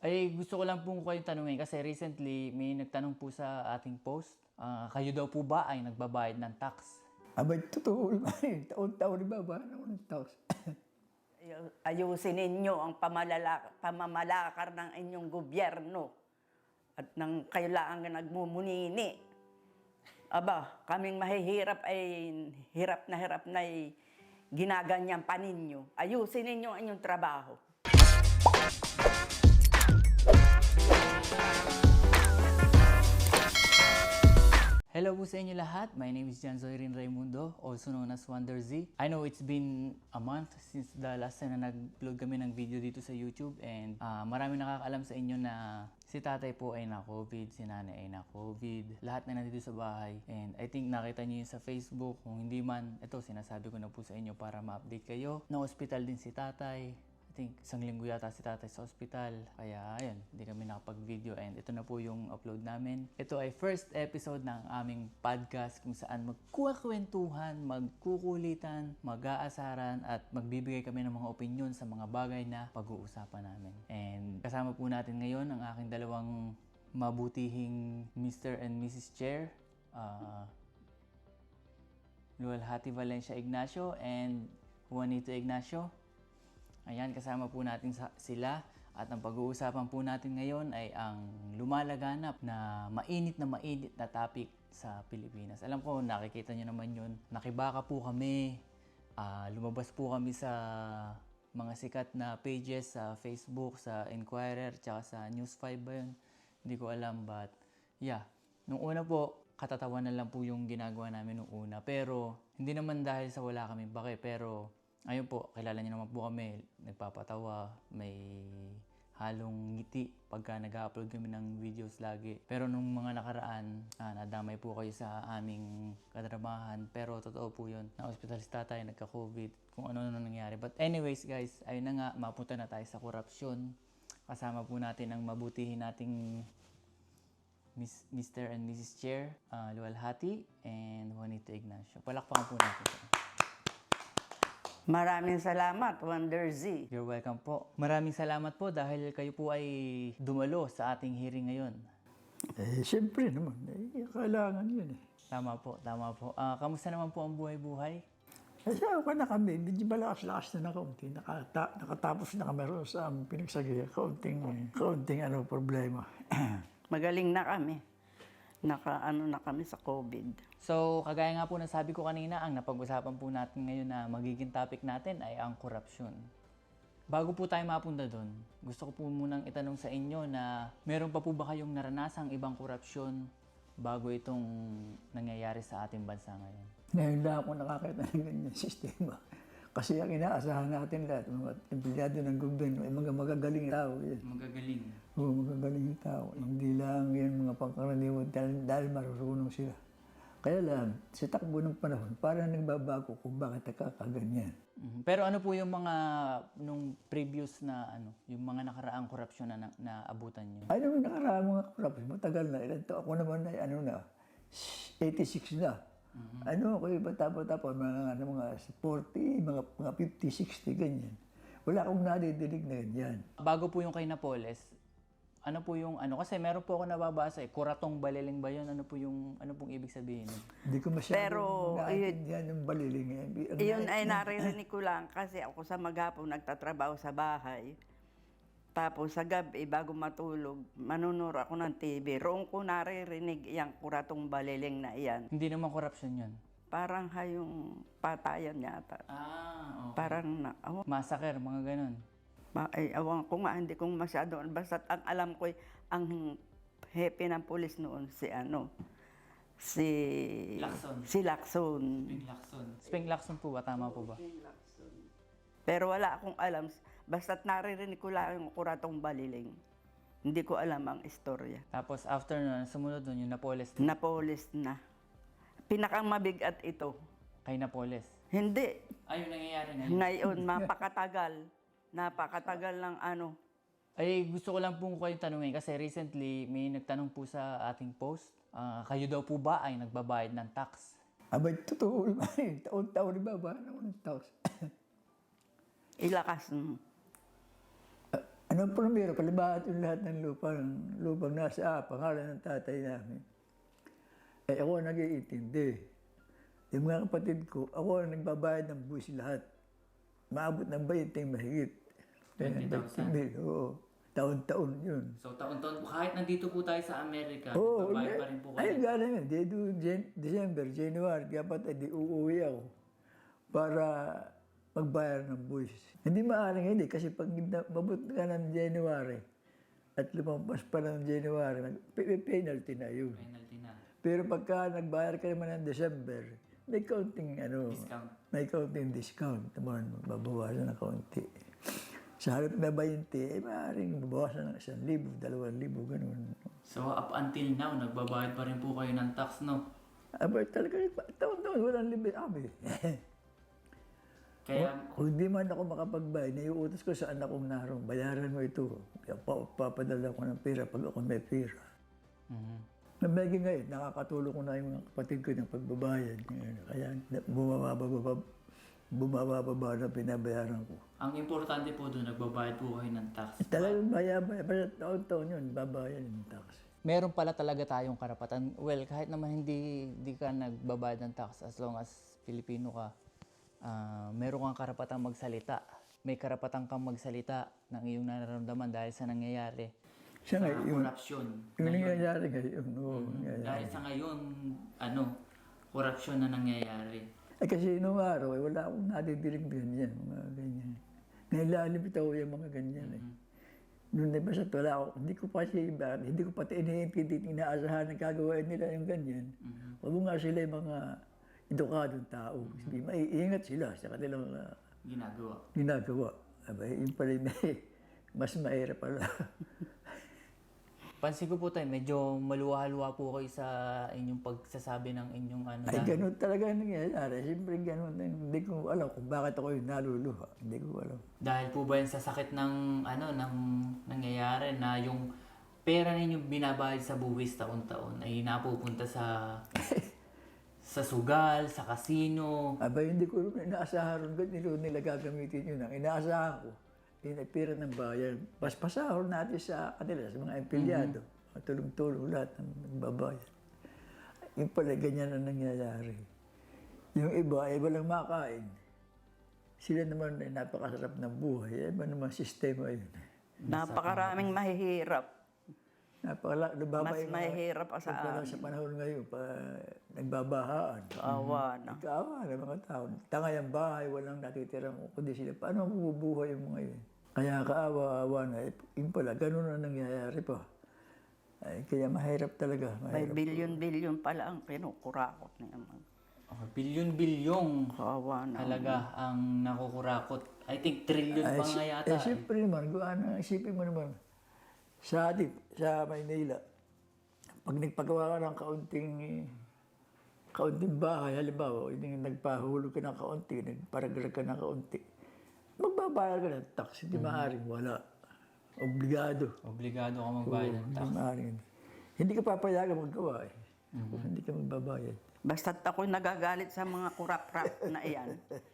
Ay, gusto ko lang po kayong tanungin kasi recently may nagtanong po sa ating post. Kayo daw po ba ay nagbabayad ng tax? Abay, totoo naman. Taon-taon ba naman ng taos? Ayusin ninyo ang pamamalakar ng inyong gobyerno at ng kailangan nagmumunini. Aba, kaming mahihirap ay hirap na ginaganyan pa ninyo. Ayusin ninyo ang inyong trabaho. Hello po sa inyo lahat. My name is Jan Zoirin Raimundo, also known as Wonder Z. I know it's been a month since the last time na nag-upload kami ng video dito sa YouTube and marami nakakaalam sa inyo na si tatay po ay na-COVID, si nanay ay na-COVID, lahat na nandito sa bahay. And I think nakita niyo yun sa Facebook. Kung hindi man, ito sinasabi ko na po sa inyo para ma-update kayo. Na-hospital din si tatay. I think isang linggo yata si tatay sa ospital. Kaya ayun, hindi kami nakapag-video and ito na po yung upload namin. Ito ay first episode ng aming podcast kung saan magkukwentuhan, magkukulitan, mag-aasaran at magbibigay kami ng mga opinion sa mga bagay na pag-uusapan namin. And kasama po natin ngayon ang aking dalawang mabutihing Mr. and Mrs. Chair. Luwalhati Valencia Ignacio and Juanito Ignacio. Ayan, kasama po natin sila at ang pag-uusapan po natin ngayon ay ang lumalaganap na mainit na topic sa Pilipinas. Alam ko, nakikita nyo naman yun. Nakibaka po kami, lumabas po kami sa mga sikat na pages sa Facebook, sa Inquirer, tsaka sa News 5 ba yun? Hindi ko alam, but yeah. Nung una po, katatawanan lang po yung ginagawa namin nung una. Pero hindi naman dahil sa wala kaming bake, pero ayun po, kilala niyo naman po kami, nagpapatawa, may halong ngiti pagka nag-upload kami ng videos lagi. Pero nung mga nakaraan, nadamay po kayo sa aming kadramahan. Pero totoo po yun, na-hospital si tatay, nagka-COVID, kung ano na nangyari. But anyways guys, ayun na nga, mapunta na tayo sa korupsyon. Kasama po natin ang mabutihin nating Mr. and Mrs. Chair, Luwalhati and Juanito Ignacio. Palakpakan po natin siya. Maraming salamat, Wonder Z. You're welcome po. Maraming salamat po dahil kayo po ay dumalo sa ating hearing ngayon. Siyempre naman. Kailangan yun eh. Tama po, tama po. Kamusta naman po ang buhay-buhay? Kasi ako na kami, medyo malakas-lakas na kaunti. Nakatapos na kami rin sa aming pinagsagaya. Kaunting problema. Magaling na kami. Naka-ano na kami sa COVID. So, kagaya nga po na sabi ko kanina, ang napag-usapan po natin ngayon na magiging topic natin ay ang korupsyon. Bago po tayo mapunta doon, gusto ko po munang itanong sa inyo na meron pa po ba kayong naranasang ibang korupsyon bago itong nangyayari sa ating bansa ngayon? Ngayon lang ako nakakita ng ganyan sistema. Kasi ang inaasahan natin lahat, mga empleyado ng gobyerno, ay mga magagaling tao. Yan. Magagaling. Oo, magagaling tao. Hindi lang yan mga pangkaraniwan dahil marunong sila. Kaya lang, sa takbo ng panahon, parang nagbabago kung bakit nakakaganyan. Pero ano po yung mga nung previous na yung mga nakaraang korupsyon na naabutan niyo? Ay naman nakaraang mga korupsyon, matagal na. Ilan to? Ako naman ay 86 na. Ako yung bata-bata pa, mga 40, mga 50, 60, ganyan. Wala akong nadidinig na ganyan. Bago po yung kay Napoles, ano po yung kasi meron po ako nababasa kuratong baliling ba yun? Ano pong ibig sabihin? Hindi ko masyadong naiintindihan yung baliling. Iyon ay naririnig ko lang kasi ako sa maghapon nagtatrabaho sa bahay. Tapos sa gabi, bago matulog, manunod ako ng TV. Roon ko naririnig yung kuratong baliling na iyan. Hindi naman korupsyon yun. Parang hayong patayan yata. Okay. Parang Massacre, mga ganun. ay, awan ko nga, hindi kong masyado. Basta ang alam ko, ang hepe ng pulis noon, si Lacson. Si Lacson. Spring Lacson po ba? Tama po ba? Pero wala akong alam. Basta't naririnig ko lang yung kuratong baliling. Hindi ko alam ang istorya. Tapos after nun, sumunod nun yung Napoles. Napoles na. Pinakang mabigat ito. Kay Napoles. Hindi. Ay, yung nangyayari ngayon. Ngayon, mapakatagal. Napakatagal ng Ay, gusto ko lang po kayong tanungin kasi recently may nagtanong po sa ating post. Kayo daw po ba ay nagbabayad ng tax? Abay, totoo naman. Taon-taon naman ng taos. Ilakas. Ano Unang primero, kalibahat yung lahat ng lupang nasa pangalan ng tatay namin. Eh ako ang nag-iintindi. Yung mga kapatid ko, ako ang nagbabayad ng buwis lahat. Maabot ng 20 mahigit. 20,000? Oo. Taon-taon yun. So taon-taon, kahit nandito po tayo sa Amerika, Oo, nagbabayad pa rin po ay, kayo. gano'n yun. December, January, dapat di uuwi ako para magbayar ng buwis. Hindi maaaring hindi, kasi pag mabot ka ng January at lumampas pa ng January, penalty na yun. Penalty na. Pero pagka nagbayar ka naman ng December, may counting Discount. may counting discount. Naman, babawasan ng kaunti. Sa halip na 20, eh maaaring babawasan ng 1,000, 2,000, ganun. So up until now, nagbabayad pa rin po kayo ng tax, no? Aba, talaga, taon-taon, walang limit. Kaya, Kung di man ako makapagbayad, naiutos ko sa anak kong naroon, bayaran mo ito. Papadala ko ng pera pag ako may pera. Mhm. Nabagi ngayon, nakakatulong ko na yung mga kapatid ko ng pagbabayad. Kaya bumababa na pinabayaran ko. ang importante po doon, nagbabayad po kayo ng tax. Talagang bayabay, basta taon-taon yun, babayad yung tax. Meron pala talaga tayong karapatan. Well, kahit naman hindi ka nagbabayad ng tax, as long as Filipino ka, meron kang karapatang magsalita. May karapatan kang magsalita ng iyong nararamdaman dahil sa nangyayari. Siya Sa nga, yung korupsyon. nangyayari ngayon. Oo, nangyayari. Dahil sa ngayon, korupsyon na nangyayari. Ay kasi nung araw, wala akong nadidiling ganyan, mga ganyan. Nailalim ito yung mga ganyan eh. Noon na basta wala ako, hindi ko pati iniintindi, inaasahan na gagawin nila yung ganyan. Wag nga sila yung mga edukadong tao. Maiingat sila sa kanilang ginagawa. Aba, yun pala yung mas mahirap pala. Pansin ko po tayo, medyo maluwa-luwa po kayo sa inyong pagsasabi ng inyong Ay, ganun talaga nangyayari. Siyempre, ganun. Hindi ko alam kung bakit ako yung naluluha. Hindi ko alam. Dahil po ba yan sa sakit ng ng nangyayari na yung pera ninyo binabayad sa buwis taon-taon ay napupunta sa sugal, sa kasino. Aba, hindi ko inaasahan rin nila gagamitin yun. Ang inaasahan ko, pera ng bayan. Paspasahon natin sa kanila, sa mga empleyado. Tulong-tulong lahat ng nagbabayad. Yung pala, ganyan ang nangyayari. Yung iba, lang makain. Sila naman ay napakasarap ng buhay. Iba naman sistema yun. Napakaraming mahihirap. Mas mahihirap pa sa amin. Sa panahon ngayon, nagbabahaan. Kaawa na. Kaawa na mga tao. Tangay ang bahay, walang natitirang kundi sila. Paano mabubuhay yung mga yun? Kaya kaawa-awa na. Yun pala, ganun na nangyayari pa. Ay, kaya mahirap talaga. May Mahirap. bilyon-bilyon pala ang kinukurakot na yung mga Bilyon-bilyong kaawa na. talaga ang nakukurakot. I think trillion pa nga yata. Siyempre naman, isipin mo naman, sa Maynila, pag nagpagawa ka ng kaunting bahay, halimbawa, yung nagpahulog ka ng kaunti, nagparagrag ka ng kaunti, magbabayar ka ng tax, hindi maaaring wala. Obligado. Obligado ka magbayad ng tax. Hindi maaaring. Hindi ka papayagan maggawa eh. Kung hindi ka magbabayad. Basta't ako'y nagagalit sa mga kurap-rap na iyan.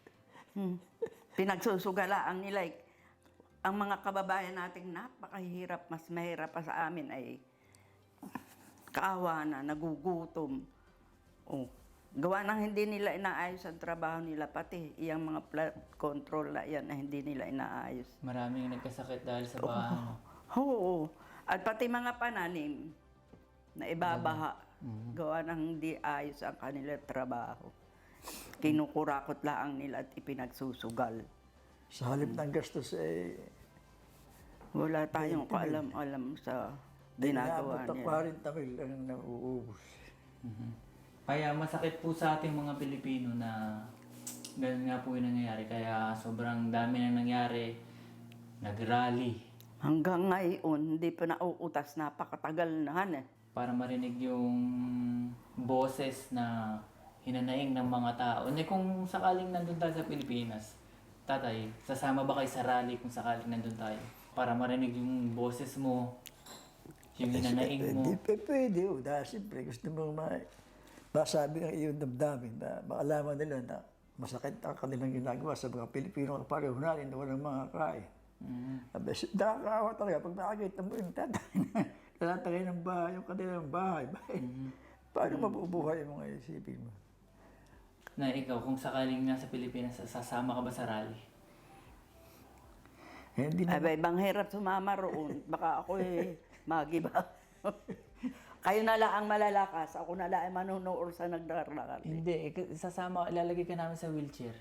Pinagsusugalaan nila. Ang mga kababayan nating napakahirap, mas mahirap pa sa amin ay kaawa na, nagugutom. Oh, gawa ng hindi nila inaayos ang trabaho nila, pati iyang mga flood control na yan na hindi nila inaayos. Maraming nagkasakit dahil sa baha. Oo. At pati mga pananim na ibabaha. Gawa ng hindi ayos ang kanilang trabaho. Kinukurakot lang nila at ipinagsusugal. Sa halip ng gastos eh, Wala tayong kaalam-alam sa ginagawa inaabot nila. ng 40 mil ang nauubos. Kaya masakit po sa ating mga Pilipino na ganun nga po yung nangyayari. Kaya sobrang dami nang nangyari. Nag-rally Hanggang ngayon, hindi pa nauutas. Napakatagal na han eh. para marinig yung boses na hinanaing ng mga tao. Hindi kung sakaling nandun tayo sa Pilipinas, tatay, sasama ba kayo sa rally kung sakaling nandun tayo? Para marinig yung boses mo, yung hinanaing mo. Pwede, dahil siyempre gusto mo masabi ang iyong damdamin na maalaman nila na masakit ang kanilang ginagawa sa mga Pilipino kapareho natin na walang mga kain. Nakakaawa talaga pag nakakita mo yung tatatagay ng bahay, yung kanilang bahay. Paano mabubuhay mo ngayon, isipin mo? Na ikaw, kung sakaling nasa Pilipinas, sasama ka ba sa rally? Hindi na. Abay, bang hirap sumama roon. Baka ako magiba. Kayo na lang ang malalakas. Ako na lang ang manunood sa nagdararali. Hindi, sasama, ilalagay ka namin sa wheelchair.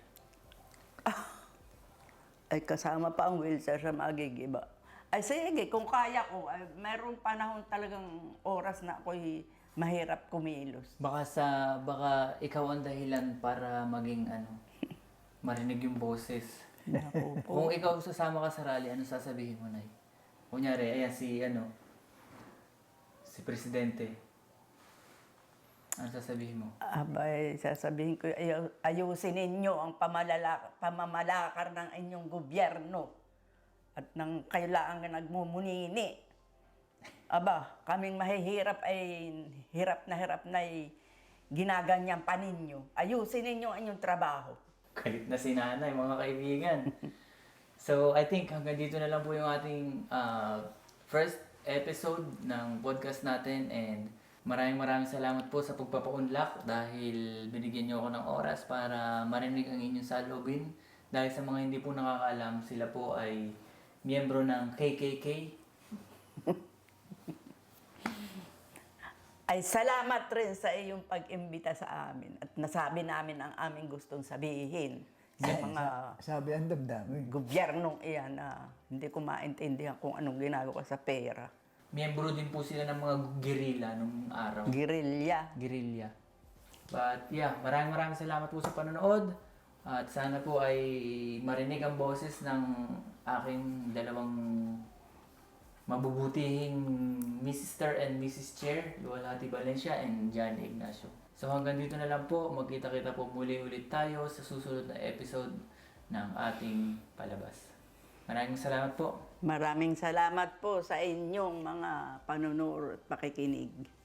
Ay, kasama pa ang wheelchair sa magigiba. Ay, sige, kung kaya ko, ay, mayroong panahon talagang oras na ako'y mahirap kumilos. Baka ikaw ang dahilan para maging marinig yung boses. Naku po. Kung ikaw sasama ka sa rally, ano sasabihin mo, Nay? Kunyari, ayan si Presidente. Ano sasabihin mo? Abay, sasabihin ko, ayusin ninyo ang pamamalakar ng inyong gobyerno at ng kailangan nagmumunini. Aba, kaming mahihirap ay hirap na ginaganyan pa ninyo. Ayusin ninyo ang inyong trabaho. Galit na si Nanay, mga kaibigan. So, I think hanggang dito na lang po yung ating first episode ng podcast natin, and maraming salamat po sa pagpapaunlak dahil binigyan niyo ako ng oras para marinig ang inyong salubin. Dahil sa mga hindi po nakakaalam, sila po ay miyembro ng KKK. Ay salamat rin sa iyong pag-imbita sa amin at nasabi namin ang aming gustong sabihin sa mga Sabi ang damdamin. gobyernong iyan na hindi ko maintindihan kung anong ginagawa sa pera. Miyembro din po sila ng mga guerrilla nung araw. Guerrilla. Guerrilla. But yeah, maraming salamat po sa panonood. At sana po ay marinig ang boses ng aking dalawang mabubutihing Mr. and Mrs. Chair, Luwalhati Valencia and Johnny Ignacio. So hanggang dito na lang po, magkita-kita po muli ulit tayo sa susunod na episode ng ating palabas. Maraming salamat po. Maraming salamat po sa inyong mga panunood at pakikinig.